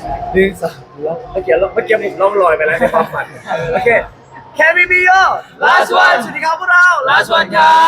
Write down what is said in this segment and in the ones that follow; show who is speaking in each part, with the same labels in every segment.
Speaker 1: 1 2เมื่อกี้ผมล่องลอยไปแล้วในความฝันโอเค Can we be your last one สวัสดีครับพวกเรา
Speaker 2: Last One ครับ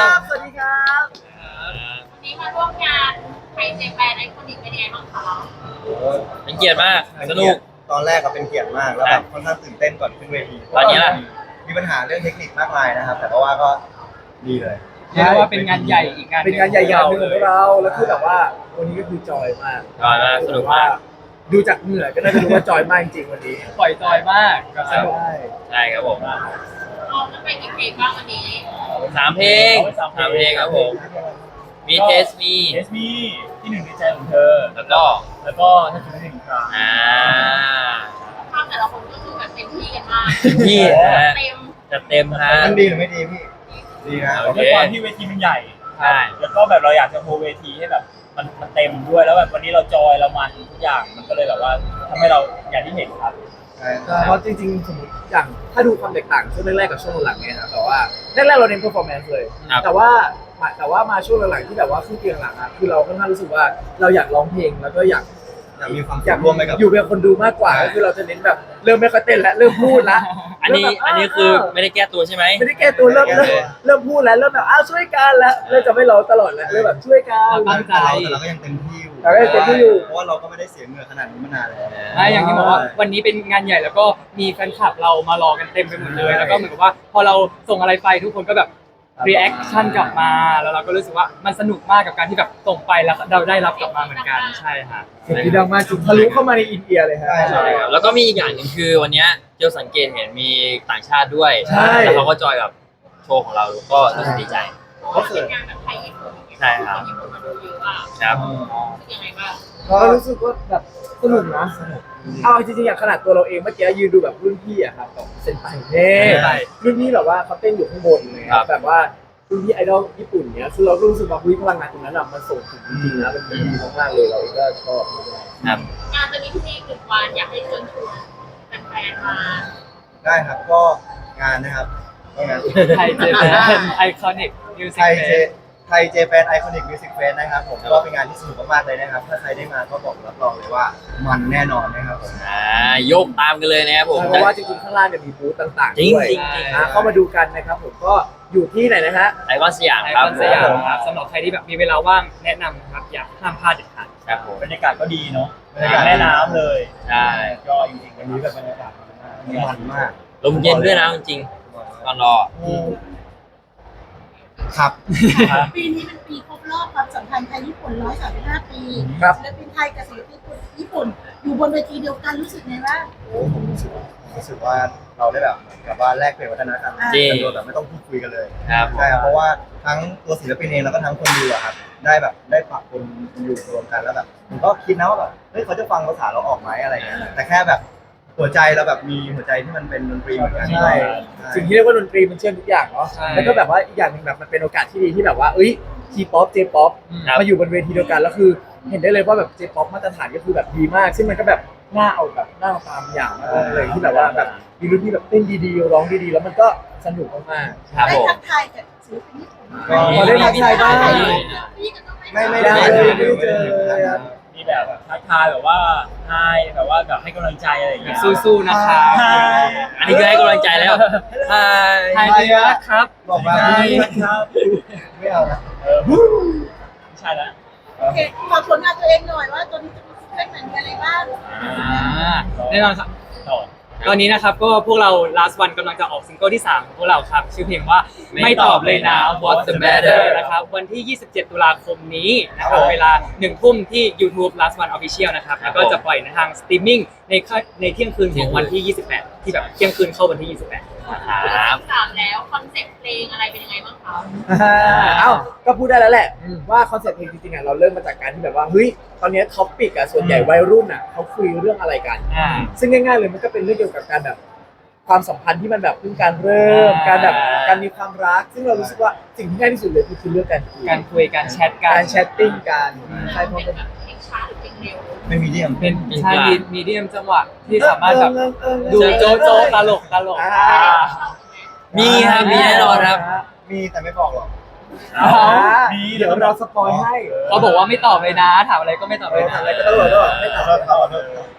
Speaker 1: สวัสดีครับ
Speaker 3: วันนี้มาร่วมงานไทยเจแปนไอคอนิกเป็นยังไงบ้างคะ
Speaker 2: เป็นเกียรติมากสนุก
Speaker 4: ตอนแรกก็เป็นเกียรติมากแล้วแบบค่อนข้างตื่นเต้นก่อนขึ้นเวที
Speaker 2: ตอนนี้ล่ะ
Speaker 4: มีปัญหาเรื่องเทคนิคมากมายนะครับ แต่ก็ว่าก็ดีเลย
Speaker 5: เรียกได้ว่าเป็นงานใหญ่อีกงาน
Speaker 1: เป็นงานใหญ่ๆหนึ่งของพวกเราแล้วคือแบบว่าวันนี้ก็คือจอยมาก
Speaker 2: จอยมากสนุกมาก
Speaker 1: ดูจากเหงื่อก็น่าจะรู้ว่าจอยมากจริงๆวันนี้
Speaker 5: ปล่อยจอยมากกับสนุก
Speaker 1: ใช่
Speaker 2: ใช่ครับผม
Speaker 3: ออกกันไปกี่เพลงบ้างวันนี้
Speaker 2: 3 เพลง3 เพลงครับผม มีเทสมี
Speaker 6: เอสมีที่หนึ่งในใจของเธอ
Speaker 2: แล้วก็
Speaker 6: แล้วก็ถ้าคิดไม่ถึงครั้ง
Speaker 3: ภาพแต่ละคนก็คือแบบเต็มที่กันมาก
Speaker 2: ที่นะฮะ
Speaker 3: เต็ม
Speaker 2: จะเต็มฮะ
Speaker 4: มันดีหรือไม่ดีพี่ ดีนะ
Speaker 2: โอเค
Speaker 6: ด้วยความที่เวทีมันใหญ่
Speaker 2: ใช่
Speaker 6: แล้วก็แบบเราอยากจะโฮเวทีให้แบบมันเต็มด้วยแล้วแบบวันนี้เราจอยเรามันทุกอย่างมันก็เลยแบบว่าทำให้เราอย่างที่เห็นครับ
Speaker 1: เพราะจริงๆสมมติอย่างถ้าดูความแตกต่างช่วงแรกๆกับช่วงหลังเนี่ยนะแต่ว่าแรกๆเราเน้น performance เลย
Speaker 2: ครับ
Speaker 1: แต่ว่ามาช่วงหลังๆที่แบบว่าขึ้นเตียงหลังอะคือเราค่อนข้างรู้สึกว่าเราอยากร้องเพลงแล้วก็อยาก
Speaker 4: อยากมีความ
Speaker 1: อยาก
Speaker 4: ร่วมไปกับ
Speaker 1: อยู่เป็นคนดูมากกว่าก็คือเราจะเน้นแบบเริ่มไม่ค่อยเต้นแล้วเริ่มพูดแล้ว
Speaker 2: อันนี้คือไม่ได้แก้ตัวใช่ไหม
Speaker 1: ไม่ได้แก้ตัวเริ่มพูดแล้วเริ่มแบบอ้าวช่วยกันแล้วเริ่มจะไม่ร้องตลอดแล้วเริ่มแบบช่วยกัน
Speaker 5: ตั้งใจ
Speaker 4: แต่เราก็ยังเต็มที่อยู่
Speaker 1: เราก็ยังเต็มที่อยู่
Speaker 4: เพราะว่าเราก็ไม่ได้เสียเหงื่อขนาดนี้มานานแล้ว
Speaker 5: อย่างที่บอกว่าวันนี้เป็นงานใหญ่แล้วก็มีแฟนคลับเรามารอกันเต็มไปหมดเลย แล้วก็เหมือนกับว่าพอเราส่งอะไรไปทุกคนก็แบบรีแอคชั่นกลับมาแล้วเราก็รู้สึกว่ามันสนุกมากกับการที่แบบส่งไปแล้วเราได้รับกลับมาเหมือนกันใช่ฮะ
Speaker 1: เสียงที่ดังมากจริงทะลุเข้ามาในอินเดียเลยฮะ
Speaker 2: ใช่ครับแล้วก็มีอีกอย่างหนึ่งคือวันเนี้ยเจียวสังเกตเห็นมีต่างชาติด้วย
Speaker 1: ใช่
Speaker 2: แล้วเขาก็จอยกับโชว์ของเราก็รู้สึกดีใจ
Speaker 3: เพราะว่าเป็นงานแบบไทยญี่ปุ่น
Speaker 2: ใช่ครับ
Speaker 3: นญี่ปุ่นมาดูเยอะอ่ะ
Speaker 2: ครับ
Speaker 3: รู้สึกยังไงบ้าง
Speaker 1: ก็รู้สึกว่าแบบสนุกนะเอาจริงๆอย่างขนาดตัวเราเองเมื่อกี้ยืนดูแบบรุ่นพี่อะครับแบบเซนไปเน่รุ่นพี่แบบว่าเขาเต้นอยู่ข้างบนเลยครับแบบว่ารุ่นพี่ไอดอลญี่ปุ่นเนี้ยคือเรารู้สึกว่าพลังงานตรงนั้นอะมันส่งถึงจริงๆนะมันดีมากๆเลยเราเองก็ชอบ
Speaker 2: ครับ
Speaker 3: งานจะมีที่หนึ่งวันอยากให้เชิญชวนแฟนๆมา
Speaker 4: ได้ครับก็งานนะครับก็งาน
Speaker 5: ไทยเจแปนไอคอนิกมิวสิ
Speaker 4: ไท
Speaker 5: ก
Speaker 4: ย
Speaker 5: เฟ
Speaker 4: เจ
Speaker 5: ส
Speaker 4: ไทยเจแปนไอคอนิกมิวสิกเฟสนะครับผมก็เป็นงานที่สนุกมากๆเลยนะครับ ถ้าใครได้มาก็บอกรับรองเลยว่ามันแน่นอนนะครับผม
Speaker 2: โยกตามกันเลยนะครับผม
Speaker 1: เพราะว่าจริงๆข้างล่างเนี่ยมีบูธต่างๆ
Speaker 2: จริง
Speaker 1: ด้วย
Speaker 2: จริง
Speaker 1: เข้ามาดูกันนะครับผมก็อยู่ที่ไหนนะฮะ
Speaker 2: ไอคอนสยาม
Speaker 5: ไอ
Speaker 2: ค
Speaker 5: ครับ อนสยาม
Speaker 2: ผม
Speaker 5: ครับสำหรับใครที่แบบมีเวลาว่างแนะนำครับอยากห้ามพลาดเด็ดขาด
Speaker 2: ครับผม
Speaker 6: บรรยากาศก็ดีเนาะ
Speaker 4: บรรยากาศ
Speaker 6: แม่น้ำเลย
Speaker 2: ใช่
Speaker 6: ก็จริงๆวันนี้แบบบรรยากาศดีมาก
Speaker 4: มันมาก
Speaker 2: ลมเย็นด้วยนะจริงๆตอนรอ
Speaker 4: ครับ
Speaker 7: ปีนี้เป็นปีครบรอบความสัมพันธ์ไทยญี่ปุ่น135 ปี
Speaker 1: ครับ
Speaker 7: ศิลปินไทยกับศิลปินญี่ปุ่น อยู่บนเวทีเดียวกันรู้สึกไงบ้าง
Speaker 4: โอ้ผมรู้สึกว่าเราได้แบบเหมือนกับว่าแลกเปลี่ยนวัฒนธรรม
Speaker 2: จริง
Speaker 4: กันโดยแบบไม่ต้องพูดคุยกันเลย
Speaker 2: ครับ
Speaker 4: ใช่ครับเพราะว่าทั้งตัวศิลปินเองแล้วก็ทั้งคนดูอะครับได้แบบได้ปรับคนอยู่รวมกันแล้วแบบผมก็คิดนะว่าแบบเฮ้ยเขาจะฟังภาษาเราออกไหมอะไรเงี้ยแต่แค่แบบหัวใจเราแบบมีหัวใจที่มันเป็นดนตรีเหมือนกัน
Speaker 1: ใช่ สิ่งที่เรียกว่าดนตรีมันเชื่อมทุกอย่างเนาะ
Speaker 5: ใช่
Speaker 1: แล้วก็แบบว่าอีกอย่างหนึ่งแบบมันเป็นโอกาสที่ดีที่แบบว่าทีป๊อปเจป๊อป
Speaker 2: ครับ
Speaker 1: มาอยู่บนเวทีเดียวกันแล้วคือ เห็นได้เลยว่าแบบเจป๊อปมาตรฐานก็คือแบบดีมาก ซึ่งมันก็แบบน่าเอาแบบน่าเอาตามอย่างมากเลยที่แบบว่าแบบมีรุ่นที่แบบเต้นดีๆร้องดีๆแล้วมันก็สนุกมาก
Speaker 2: ครับ
Speaker 7: ได้
Speaker 2: ผม
Speaker 7: ทักทายกับศิลปินญี่ปุ่น
Speaker 4: ก็
Speaker 1: พอได้ทักทายบ้าง
Speaker 7: พี่ก็ต้อง
Speaker 4: ไม่
Speaker 1: ได้
Speaker 4: ได้
Speaker 1: เลยไม่ได้เจอเลยครับ
Speaker 6: มีแบบทักทายแบบว่าไฮแบบว่าแบบให้กำลังใจอะไรอย่างเงี้ย
Speaker 5: สู้ๆนะครับ
Speaker 6: ใช่
Speaker 2: อันนี้คือให้กำลังใจแล้วใช่
Speaker 5: ไทยเจนะครับ
Speaker 4: บอกมา
Speaker 6: ใช่
Speaker 4: ไม่
Speaker 6: ครับ
Speaker 4: ไม่เอานะ
Speaker 6: ไม่ใช่แล้ว
Speaker 7: โอเคฝากผลงานตัวเองหน่อยว่าตัวนี้จะมีซิงเกิลไหนมีอะไรบ้าง
Speaker 5: แน่นอนครับ
Speaker 6: ต่อ
Speaker 5: ตอนนี้นะครับก็พวกเรา last one กำลังจะออกซิงเกิลที่3ของพวกเราครับชื่อเพลงว่าไม่ตอบเลยนะ What's the matter นะครับวันที่ 27 ตุลาคมนี้นะครับเวลา 1 ทุ่มที่ YouTube last one official นะครับแล้วก็จะปล่อยในทางสตรีมมิ่งในเที่ยงคืนของวันที่ 28 ที่แบบเที่ยงคืนเข้าวันที่ 28
Speaker 2: ครับ
Speaker 3: ถามแล้วคอนเซ็ปต์เพลงอะไรเป็นยังไงบ้างคะ
Speaker 1: เอ้าก็พูดได้แล้วแหละว่าคอนเซ็ปต์เพลงจริงๆอ่ะเราเริ่มมาจากการที่แบบว่าเฮ้ยตอนนี้ท็อปปิกอ่ะส่วนใหญ่วัยรุ่นอ่ะเขาคุยเรื่องอะไรกัน ซึ่งง่ายๆเลยมันก็เป็นเรื่องเกี่ยวกับการแบบความสัมพันธ์ที่มันแบบเพิ่งการเริ่มการแบบการมีความรัก ซึ่งเรารู้สึกว่าสิ่งที่ง่ายที่สุดเลยคือเรื่องการคุย
Speaker 5: การคุยการแชทกั
Speaker 1: กาน รแชทติ้งกันใช่เพราะ
Speaker 3: เป็
Speaker 1: เป็น น
Speaker 3: แบบเพลงช้าหรือเพลงเร็ว
Speaker 4: ไม่มีเดียม
Speaker 5: เป็นใช่มีเดียมจังหวะที่สามารถแบบ ดู
Speaker 1: เออ
Speaker 5: โจ๊ะตลก
Speaker 1: อ่า
Speaker 2: มีครับมีแน่นอนครับ
Speaker 4: มีแต่ไม่บอกหรอก
Speaker 1: เดี๋ยวเราสปอยให้
Speaker 5: เขาบอกว่าไม่ตอบเลยนะถามอะไรก็ไม่ตอบเลยนะ
Speaker 1: ถามอะไรก็ต้องบอกว่าไม่ตอบ
Speaker 4: เรา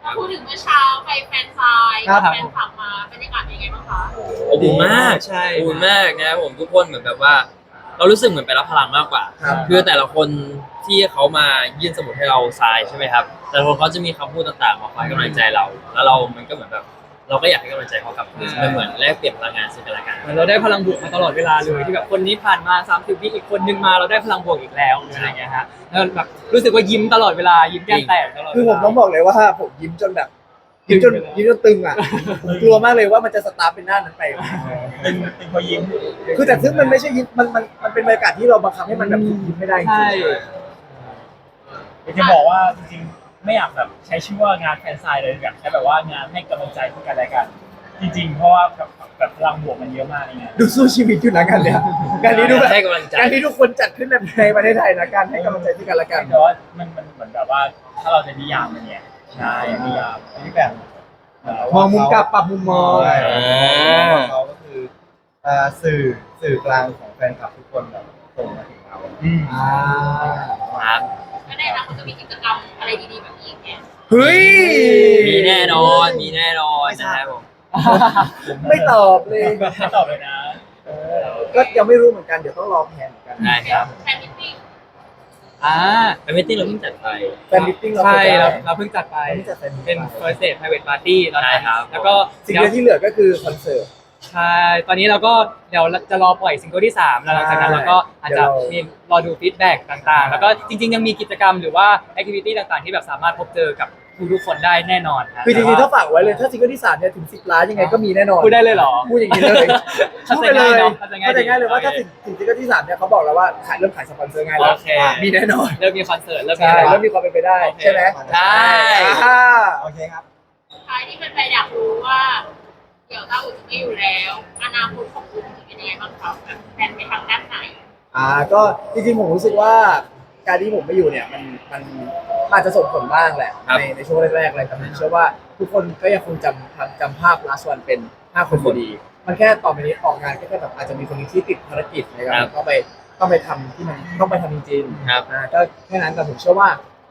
Speaker 3: พูดถึงเมื่อเช้าไปแฟนซาย
Speaker 1: ครับ
Speaker 3: แฟนคลับมาบรรยากาศเป็นยังไงบ้างคะ
Speaker 2: อบอุ่นมาก
Speaker 5: ใช่
Speaker 2: อบอุ่นมากนะครับผมทุกคนเหมือนแบบว่า เรารู้สึกเหมือนไปรับพลังมากกว่า
Speaker 1: ครับ
Speaker 2: คือแต่ละคนที่เขามายื่นสมุดให้เราทรายใช่ไหมครับ แต่ละคนเขาจะมีคำพูดต่างๆมาคอยให้กำลังใจเรา แล้วเรามันก็เหมือนแบบ เราก็อยากให้กำลังใจเขากลับคืนมันเหมือนแลกเปลี่ยนพลังงานซึ่งกันและกัน
Speaker 5: เหมือนเราได้พลังบวกมาตลอดเวลาเลยที่แบบคนนี้ผ่านมา30วิอีกคนนึงมาเราได้พลังบวกอีกแล้วอะไรอย่างเงี้ยฮะแล้วแบบรู้สึกว่ายิ้มตลอดเวลายิ้มแก้มแตกตลอดเวลา
Speaker 1: คือผมต้องบอกเลยว่าผมยิ้มจนแบบยิ้มจน
Speaker 5: ตึงเลย
Speaker 1: ยิ้มจนตึงอ่ะผมกลัวมากเลยว่ามันจะสตาร์ทเป็นหน้านั้นไป
Speaker 6: เป็นพอยิ้ม
Speaker 1: คือแต่ซึ่งมันไม่ใช่ยิ้มมันเป็นบรรยากาศที่เราบังคับให้มันแบบยิ้มไม่ได้จริ
Speaker 5: ใช่
Speaker 1: ง
Speaker 6: จะบอกว่าจริงๆไม่อยากแบบใช้ชื่อว่างานแฟนไซน์เลยอยากใช้แบบว่างานให้กำลังใจซึ่งกันและกัน จริงๆ เพราะว่าแบบพลังบวกมันเยอะมากนี่ไง
Speaker 1: ดูสู้ชีวิตอยู่นะกันเนี่ยการนี้ดูแบบ
Speaker 2: ให้กำลังใจ
Speaker 1: การที่ทุกคนจัดขึ้นในประเทศไทยนะการให้กำลังใจซึ่งกันและกัน
Speaker 6: แต่ว่ามันเหมือนแบบว่าถ้าเราจะนิยามมันเนี่ยใช่นิยาม
Speaker 4: ที่แบบ
Speaker 1: มองมุมกลับปรับมุมมอง
Speaker 4: ใช่เขาก็คือสื่อกลางของแฟนคลับทุกคนแบบส่งมาถึงเรา
Speaker 1: อ่า
Speaker 2: ครับ
Speaker 3: และในอนาคตจะมีกิจกรรมอะไรดีๆแบบนี้อีกไหม
Speaker 1: เฮ้ย
Speaker 2: มีแน่นอนนะครับผม
Speaker 1: ไม่ตอบเลย
Speaker 6: ไม่ตอบเลยนะ
Speaker 1: ก็ยังไม่รู้เหมือนกันเดี๋ยวต้องรอแผนเหมือนกัน
Speaker 2: ได้ครับ
Speaker 3: แฟนมิตติ้ง
Speaker 5: อ่า
Speaker 2: เป็นมิตติ้งเราเพิ่งจัดไป
Speaker 1: แฟนมิทติ้งเรา
Speaker 5: ใช่
Speaker 1: จะ
Speaker 5: เราเพิ่งจัดไป
Speaker 1: เราเพิ่งจัดแฟนมิท
Speaker 5: เป็
Speaker 1: ติ้
Speaker 5: น
Speaker 1: ง
Speaker 5: first date private party ตอนนั้น
Speaker 2: ใช่ครับ
Speaker 5: แล้วก็
Speaker 1: สิ่งเดียวที่เหลือก็คือคอนเสิร์ต
Speaker 5: ใช่ ตอนนี้เราก็เดี๋ยวจะรอปล่อยซิงเกิลที่ 3 แล้วหลังจากนั้นเราก็อาจจะมีรอดูฟีดแบ็กต่างๆ แล้วก็จริงๆ ยังมีกิจกรรมหรือว่าแอคทิวิตี้ต่างๆ ที่แบบสามารถพบเจอกับทุกๆคนได้แน่นอนนะ
Speaker 1: คือจริงๆถ้าฝากไว้เลยถ้าซิงเกิลที่3เนี่ยถึง10 ล้านยังไงก็มีแน่นอน
Speaker 5: พูดได้เลยเหรอ
Speaker 1: พูดอย่างนี้เลย
Speaker 5: เข้า
Speaker 1: พูด
Speaker 5: ใจ
Speaker 1: ไปเล
Speaker 5: ง่าย
Speaker 1: ย
Speaker 5: เนอะเข้าใจง่าย
Speaker 1: เข้าใจง่ายเลยว่า
Speaker 5: โอเค
Speaker 1: ถ้าถึงซิงเกิลที่3เนี่ยเขาบอกแล้วว่าเริ่มขายสปอนเซอร์ง่ายแล้ว
Speaker 5: โอเค
Speaker 1: มีแน่นอน
Speaker 5: เริ่มมีคอนเสิร์ตเริ่มมี
Speaker 1: ใช่
Speaker 5: อะไร
Speaker 1: เริ่มมีความเป็นไปได้
Speaker 5: โอเค
Speaker 1: ใช่ไหม
Speaker 2: ใช่
Speaker 1: อ่า
Speaker 4: โอเคครับ
Speaker 3: ท้ายที่แฟนๆอยากรู้ว่า เดี๋ยวต้าอุ่นจะไม่อยู่แล้ว อนาคตของคุณจะเป็นยังไงบ้างครับแบบแฟนไปทางด้านไหน
Speaker 1: ก็จริงๆผมรู้สึกว่าการที่ผมไม่อยู่เนี่ยมันอาจจะส่งผลบ้างแหละ
Speaker 2: ครับ
Speaker 1: ในช่วงแรกๆเลยแต่ผมเชื่อว่าทุกคนก็ยังคงจำภาพ last one เป็น5 คนอยู่ดี มันแค่ต่อไปนี้ออกงานก็แค่แบบอาจจะมีคนหนึงที่ติดภารกิจในการต้องไปทำที่มันต้องไปทำจริงๆ
Speaker 2: ครับ
Speaker 1: ก็แค่นั้นแต่ผมเชื่อว่า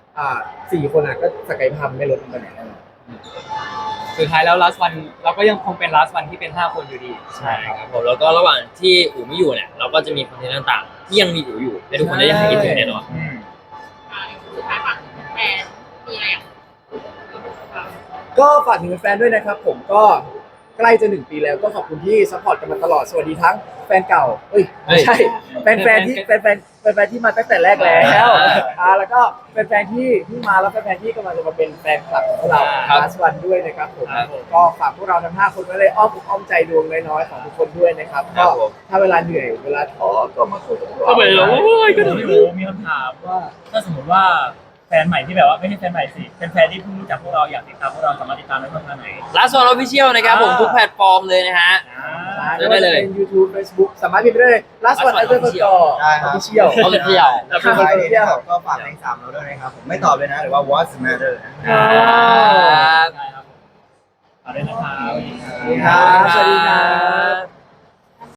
Speaker 1: 4 คนก็ศักยภาพไม่ลดลงไปไหนแน่นอน
Speaker 5: สุดท้ายแล้ว last one เราก็ยังคงเป็น last one ที่เป็น 5 คนอยู่ดี
Speaker 2: ใช่ครับผมแล้วก็ระหว่างที่อู๋ไม่อยู่เนี่ยเราก็จะมีคอนเทนต์ต่างๆ ที่ยังมีอู๋อยู่ให้ทุกคนได้ยังคิดถึงแน่นอน
Speaker 3: สุดท้ายฝากถึงแฟนมีอะไรอยากพูดบ้าง
Speaker 1: ก็ฝากถึงแฟนๆด้วยนะครับผมก็ใกล้จะ 1 ปีแล้วก็ขอบคุณที่ซัพพอร์ตกันมาตลอดสวัสดีทั้งแฟนเก่าไม่ใช่แฟนๆที่แฟนๆที่มาตั้งแต่แรกแล้วแล้วก็แฟนๆที่มาแล้วแฟนๆที่กำลังจะมาเป็นแฟนคลับของพวกเรา
Speaker 2: ครับ
Speaker 1: ลาสวันด้วยนะครับผม
Speaker 2: ครับผม
Speaker 1: ก็ฝากพวกเราทั้ง5 คนไว้เลยอ้อมอกอ้อมใจดวงน้อยๆของทุกคนด้วยนะครับ
Speaker 2: ครั
Speaker 1: ก็
Speaker 2: บผม
Speaker 1: ถ้าเวลาเหนื่อยเวลาท้อก็มาคุยกับพวกเรา
Speaker 2: ก็เหมือนเราโอ้ยก็
Speaker 6: ก็
Speaker 2: เหมือน
Speaker 6: รู้มีคำถามว่าถ้าสมมติว่าแฟนใหม่ที่แบบว่าไม่ใช่แฟนใหม่สิเป็นแฟนที่เพิ่งรู้จักพวกเราอยากติดตามพวกเราสามารถติดตามได้ช่องทางไหน
Speaker 2: Last One Official นะครับผมทุกแพลตฟอร์มเลยนะฮะ เจอได้เลย
Speaker 1: เป็น YouTube Facebook สามารถพิมพ์ได้เลย last one
Speaker 2: Last One
Speaker 1: underscore
Speaker 4: ได้ครับ
Speaker 1: official
Speaker 2: เอาเลยเที่ยว
Speaker 1: แล้ว
Speaker 4: สุด
Speaker 1: ก็
Speaker 4: ท้ายนี้
Speaker 1: เที่ยว
Speaker 4: นะครับก็ฝากเพลง3เราด้วยนะครับผมไม่ตอบเลยนะหรือว่า What's the matter
Speaker 2: ครับ
Speaker 6: ได้ครับเอาด้วยนะครับ
Speaker 1: สวัสดีครับ สวัสดีครับ